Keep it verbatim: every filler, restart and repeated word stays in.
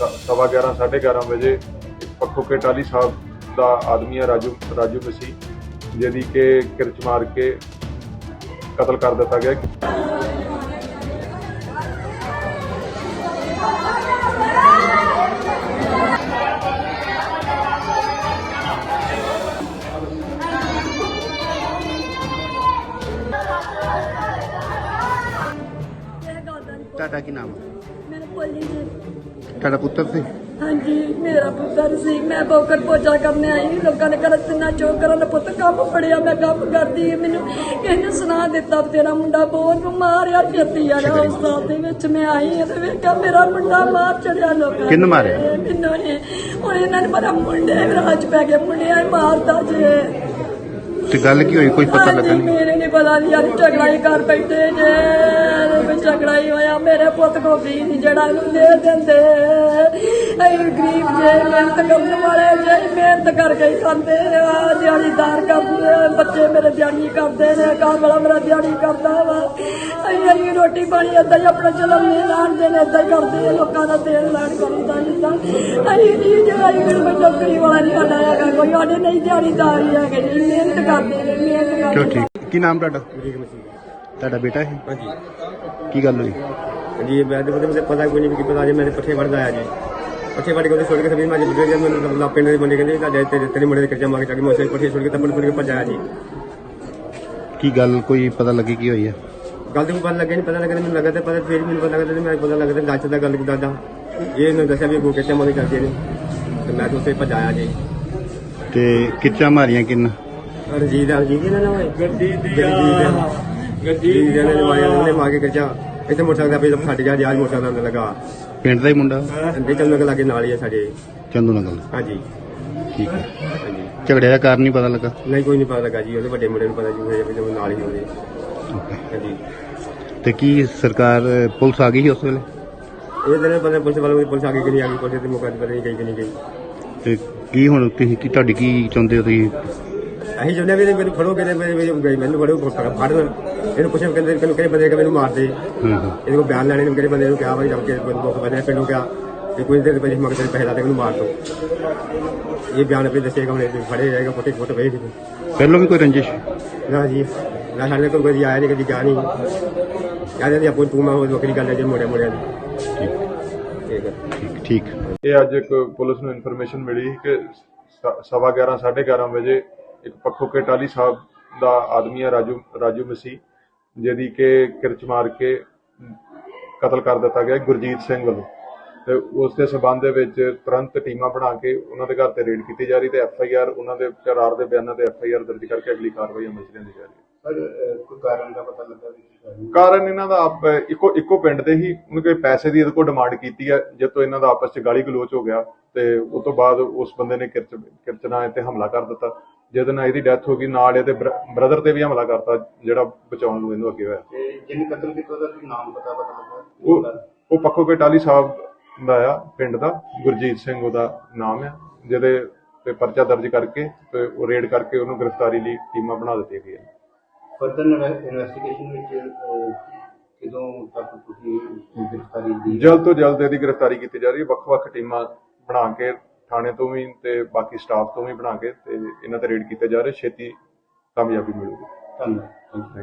सवा ग्यारह साढ़े ग्यारह बजे पक्खो के टाली साहब का आदमी है राजू राजू मसी जिहदी के किरच मार के कतल कर दिता गया। ਤੁਹਾਡਾ ਕੀ ਨਾਮ ਹੈ? मेरा पोली जी। ਤੁਹਾਡਾ ਪੁੱਤਰ ਸੀ? हाँ जी मेरा पुत्र सी। मैं बोकर पोचा करने आई लोगों ने कर तिना चौक कर पुत कम फड़िया मैं कम करती मैनू किसी सुना दिता तेरा मुंडा बहुत मारिया छेती आ रहा उस साथ मैं आई तो वेखा मेरा मुंडा मार चढ़िया लोग किन्न मारे मैनू ने हूँ इन्होंने पता मुंडे राज पै गए मुंडिया मारता जे ਤੇ ਗੱਲ ਕੀ ਹੋਈ ਕੋਈ ਪਤਾ ਲੱਗਾ ਨਹੀਂ? मेरे नहीं पता यार झगड़ा ही कर बैठे जे झगड़ा ही होया मेरे पुत को भी नहीं जड़ा दे देंदे गरीब जे मेहनत करने वाले जे मेहनत करके ही खाते दिहाड़ीदार करते बच्चे मेरे दिहाड़ी करते ने घर वाला मेरा दिहाड़ी करता वा अं रोटी पानी इदा ही अपना चलाने लान देने इदा ही करते लोगों का तेल लान करता जिदा अं नहीं जो कोई नौकरी वाला नहीं साडा है कोई साडे नहीं दिहाड़ीदार ही है मेहनत करते ने मेहनत ਚਲੋ करते ਠੀਕ। ਕੀ ਨਾਮ ਤੁਹਾਡਾ? बरीक मसीह। ਤੁਹਾਡਾ ਬੇਟਾ ਹੈ? हाँ जी ਕੀ ਗੱਲ ਹੋਈ? जी मैं तो मुझे पता कोई नहीं कि पता जी मेरे पट्ठे बढ़ गया जी पट्ठे बढ़ के छोड़ के सभी माजी बुढ़े मैं पिंड के बंदे कहते तेरे तेरे मुंडे कर्जा मांगे ताकि मैं पट्ठे छोड़ के तपन छोड़ के भजाया जी। ਕੀ ਗੱਲ ਕੋਈ ਪਤਾ ਲੱਗੀ ਕੀ ਹੋਈ ਹੈ? गल तो पता लगे नहीं पता लगे मैंने लगा पता फिर मैंने पता लगा मैं पता लगा गच का गल दादा ये इन्होंने दसिया भी अगू कर्जा मांगे करते हैं तो मैं तो उसे भजाया जी। ਤੇ ਕਿੱਚਾ ਮਾਰੀਆਂ ਕਿੰਨ? रंजीत रंजीत ना गड्डी गड्डी ने मांगे कर्जा इतने मोटरसाइकिल पे फट गया जी आज मोटरसाइकिल लगा ਪਿੰਡ ਦਾ ਹੀ ਮੁੰਡਾ? अंदर चलने के लागे नाल ही है साढ़े। ਚੰਦੂ ਨਗਲ? हाँ जी ਠੀਕ ਹੈ। हाँ जी ਝਗੜੇ ਦਾ ਕਾਰਨ ਨਹੀਂ ਪਤਾ ਲੱਗਾ? नहीं कोई नहीं पता लगा जी ਉਹਦੇ ਵੱਡੇ ਮੁੰਡੇ ਨੂੰ ਪਤਾ ਜੀ ਹੋਇਆ ਜਦੋਂ ਨਾਲ ਹੀ ਹੋਵੇ। ਓਕੇ। ਹਾਂਜੀ ਤੇ ਕੀ ਸਰਕਾਰ ਪੁਲਿਸ ਆ ਗਈ ਸੀ ਉਸ ਵੇਲੇ? ਇਹ ਦਿਨ ਪਤਾ ਪੁਲਿਸ ਵਾਲੇ ਪੁਲਿਸ ਆ ਗਈ ਕਿ ਨਹੀਂ ਆ ਗਈ ਪੁਲਿਸ ਦੇ ਮੌਕੇ ਤੇ ਪਤਾ ਨਹੀਂ ਗਈ ਕਿ ਨਹੀਂ ਗਈ। ਤੇ ਕੀ ਹੁਣ ਤੁਸੀਂ ਕੀ ਤੁਹਾਡੀ ਕੀ ਚਾਹੁੰਦੇ ਹੋ ਤੁਸੀਂ? ਅਸੀਂ ਚਾਹੁੰਦੇ ਵੀ ਮੈਨੂੰ ਫੜੋਗੇ ਤੇ ਮੇਰੇ ਗਈ ਮੈਨੂੰ ਫੜੋ ਫੜਨ ਇਹਨੂੰ ਪੁੱਛੇ ਕਹਿੰਦੇ ਕਿ ਕਿਹੜੇ ਬੰਦੇ ਕਿ ਮੈਨੂੰ ਮਾਰ ਦੇ ਹੂੰ ਹੂੰ। ਇਹਦੇ ਕੋਲ ਬਿਆਨ ਲੈਣੇ ਨੂੰ ਕਿਹੜੇ ਬੰਦੇ ਨੂੰ ਕਿਹਾ ਭਾਈ ਜਦ ਕੇ ਬੰਦੂਕ ਬੰਦੇ ਪਿੰਡੋਂ ਕਿਹਾ ਕਿ ਕੋਈ ਦੇਰ ਪਹਿਲੇ ਮਗਰ ਪੈਸੇ ਲਾ ਦੇ ਮੈਨੂੰ ਮਾਰ ਦੋ ਇਹ ਬਿਆਨ ਆਪੇ ਦੱਸੇਗਾ ਹੁਣ ਫੜੇ ਜਾਏਗਾ ਫੋਟੇ ਫੋਟੋ ਵੇਖ ਪਹਿਲਾਂ ਵੀ ਕੋਈ ਰੰਜਿਸ਼? ਨਾ ਜੀ ਨਾ ਸਾਡੇ ਕੋਲ ਕੋਈ ਆਇਆ ਨਹੀਂ ਕਦੀ ਗਿਆ ਨਹੀਂ ਕਹਿੰਦੇ ਜੀ ਆਪੋ ਤੂੰ ਮੈਂ ਉਹ ਵੱਖਰੀ ਗੱਲ ਹੈ ਜੇ ਮੋੜਿਆ ਮੋੜਿਆ ਦੀ। ਠੀਕ ਠੀਕ ਹੈ ਠੀਕ ਠੀਕ। ਇਹ ਅੱਜ ਇੱਕ ਪੁਲਿਸ ਨੂੰ ਇਨਫੋਰਮੇਸ਼ਨ ਮਿਲੀ ਕਿ ਸ- ਸਵਾ ਗਿਆਰਾਂ ਸਾਢੇ ਗਿਆਰਾਂ ਵਜੇ ਇੱਕ ਪੱਖੋ ਕੇ ਟਾਲੀ ਸਾਹਿਬ ਦਾ ਆਦਮੀ ਹੈ ਰਾਜੂ ਰਾਜੂ ਮਸੀਹ ਜਿਹਦੀ ਕਿ ਕਿਰਚ ਮਾਰ ਕੇ ਕਤਲ ਕਰ ਦਿੱਤਾ ਗਿਆ ਗੁਰਜੀਤ ਸਿੰਘ ਵੱਲੋਂ ਤੇ ਉਸ ਦੇ ਸਬੰਧ ਦੇ ਵਿੱਚ ਤੁਰੰਤ ਟੀਮਾਂ ਬਣਾ ਕੇ ਉਹਨਾਂ ਦੇ ਘਰ ਤੇ ਰੇਡ ਕੀਤੀ ਜਾ ਰਹੀ ਤੇ ਐਫ ਆਈ ਆਰ ਉਹਨਾਂ ਦੇ ਕਰਾਰ ਦੇ ਬਿਆਨਾਂ ਤੇ ਐਫ ਆਈ ਆਰ ਦਰਜ ਕਰਕੇ ਅਗਲੀ ਕਾਰਵਾਈ ਅਮਲ ਚ ਲਿਆਂਦੀ ਜਾ ਰਹੀ ਹੈ। ਕੋਈ ਕਾਰਨ ਦਾ ਪਤਾ ਲੱਗਾ ਕਾਰਨ ਇਹਨਾਂ ਦਾ ਆਪ ਇੱਕੋ ਇੱਕੋ ਪਿੰਡ ਦੇ ਹੀ ਉਹਨੇ ਕੋਈ ਪੈਸੇ ਦੀ ਇਹਦੇ ਕੋਲ ਡਿਮਾਂਡ ਕੀਤੀ ਹੈ ਜਦ ਤੋਂ ਇਹਨਾਂ ਦਾ ਆਪਸ ਚ ਗਾਲੀ ਗਲੋਚ ਹੋ ਗਿਆ ਤੇ ਉਸ ਤੋਂ ਬਾਅਦ ਉਸ ਬੰਦੇ ਨੇ ਕਿਰਚ ਕਿਰਚ ਨਾਲ ਤੇ ਹਮਲਾ ਕਰ ਦਿੱਤਾ ਜਿਹਦੇ ਨਾਲ ਇਹਦੀ ਡੈਥ ਹੋ ਗਈ ਨਾਲ ਇਹਦੇ ਬ੍ਰਦਰ ਤੇ ਵੀ ਹਮਲਾ ਕਰਤਾ ਜਿਹੜਾ ਬਚਾਉਣ ਨੂੰ ਇਹਨੂੰ ਅੱਗੇ ਹੋਇਆ। ਜਿਹਨੇ ਕਤਲ ਕੀਤਾ ਉਹਦਾ ਨਾਮ ਪਤਾ ਪਤਾ ਲੱਗਾ ਉਹ ਉਹ ਪੱਖੋ ਕੇ ਟਾਲੀ ਸਾਹਿਬ ਦਾ ਆ ਪਿੰਡ ਦਾ ਗੁਰਜੀਤ ਸਿੰਘ ਉਹਦਾ ਨਾਮ ਆ ਜਿਹਦੇ ਤੇ ਪਰਚਾ ਦਰਜ ਕਰਕੇ ਤੇ ਉਹ ਰੇਡ ਕਰਕੇ ਉਹਨੂੰ ਗ੍ਰਿਫਤਾਰੀ ਲਈ ਟੀਮਾਂ ਬਣਾ ਦਿੱਤੀਆਂ ਗਈਆਂ। ਫਰਦਰ ਇਨਵੈਸਟੀਗੇਸ਼ਨ ਵਿੱਚ ਕਿਦੋਂ ਤੱਕ ਤੁਸੀਂ ਗ੍ਰਿਫਤਾਰੀ ਦੀ ਜਲਦ ਤੋਂ ਜਲਦ ਇਹਦੀ ਗ੍ਰਿਫਤਾਰੀ ਕੀਤੀ ਜਾ ਰਹੀ ਹੈ। ਵੱਖ-ਵੱਖ ਟੀਮਾਂ ਬਣਾ ਕੇ ਥਾਣੇ ਤੋਂ ਵੀ ਤੇ ਬਾਕੀ ਸਟਾਫ ਤੋਂ ਵੀ ਬਣਾ ਕੇ ਤੇ ਇਹਨਾਂ ਤੇ ਰੇਡ ਕੀਤੇ ਜਾ ਰਹੇ ਛੇਤੀ ਕਾਮਯਾਬੀ ਮਿਲੂਗੀ। ਧੰਨਵਾਦ।